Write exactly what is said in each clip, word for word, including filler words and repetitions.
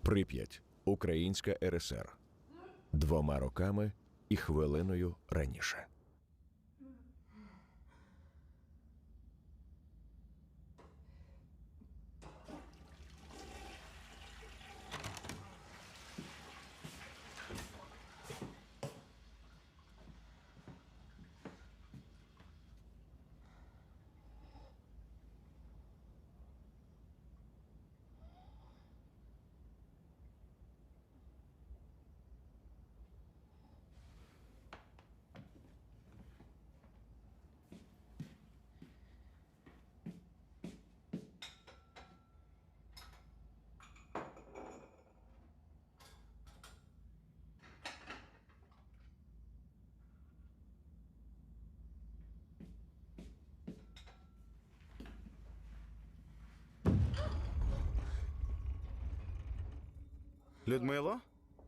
Прип'ять. Українська РСР. Двома роками і хвилиною раніше. Людмило?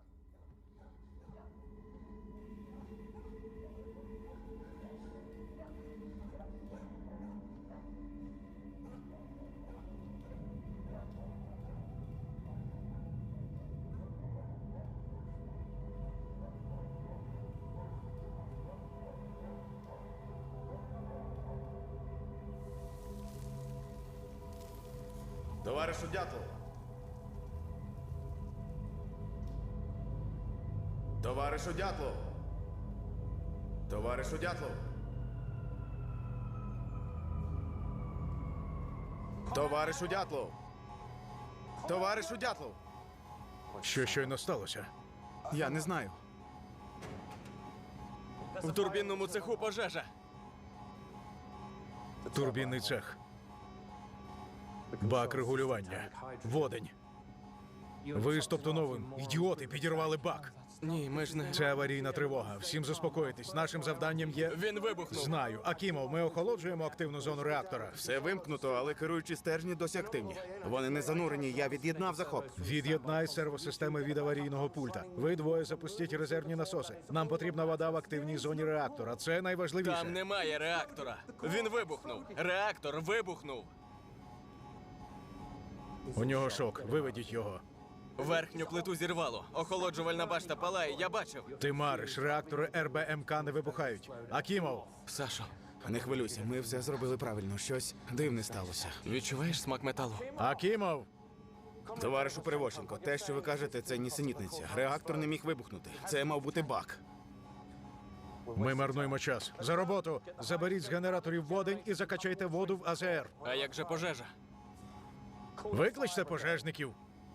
Товаришу Дятлов! Товаришу Дятлов! Товаришу Дятлов! Товаришу Дятлов! Товаришу Дятлов! Що щойно сталося? Я не знаю. В турбінному цеху пожежа. Турбінний цех. Бак регулювання. Водень. Ви з Топтуновим, ідіоти, підірвали бак. Ні, ми ж не... Це аварійна тривога. Всім заспокоїтесь. Нашим завданням є... Він вибухнув. Знаю. Акімов, ми охолоджуємо активну зону реактора. Все вимкнуто, але керуючі стержні досі активні. Вони не занурені, я від'єднав захоп. Від'єднай сервосистеми від аварійного пульта. Ви двоє запустіть резервні насоси. Нам потрібна вода в активній зоні реактора. Це найважливіше. Там немає реактора. Він вибухнув. Реактор вибухнув. У нього шок. Виведіть його. Верхню плиту зірвало. Охолоджувальна башта палає, я бачив. Ти мариш. Реактори ер бе ем ка не вибухають. Акімов! Сашо, Не хвилюйся, ми все зробили правильно. Щось дивне сталося. відчуваєш смак металу? Акімов! Товаришу Перевощенко, те, що ви кажете, це нісенітниця. Реактор не міг вибухнути. Це мав бути бак. Ми марнуємо час. За роботу! Заберіть з генераторів водень і закачайте воду в а зе ер. А як же пожежа? Викличте пожежників.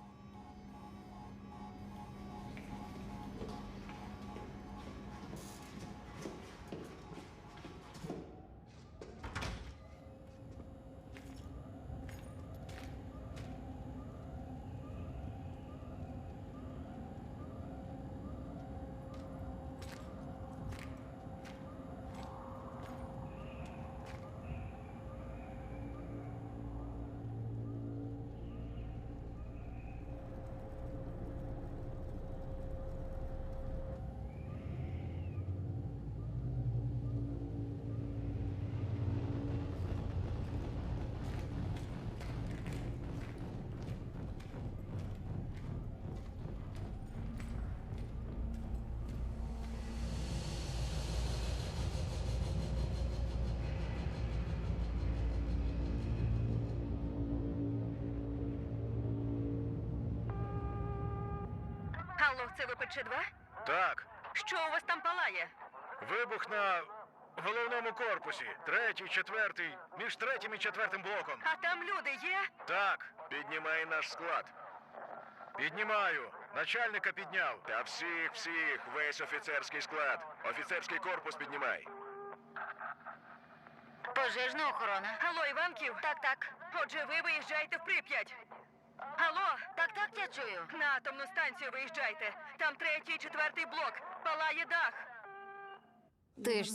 Алло, це ви Пе Че два? Так. Що у вас там палає? Вибух на головному корпусі. Третій, четвертий, між третім і четвертим блоком. А там люди є? Так. Піднімай наш склад. Піднімаю. Начальника підняв. Та всіх, всіх, весь офіцерський склад. Офіцерський корпус піднімай. Пожежна охорона. Алло, Іванків? Так, так. Отже, ви виїжджаєте в Прип'ять. Алло? Так, так, я чую. На атомну станцію виїжджайте. Там третій, четвертий блок. Палає дах. Ти ж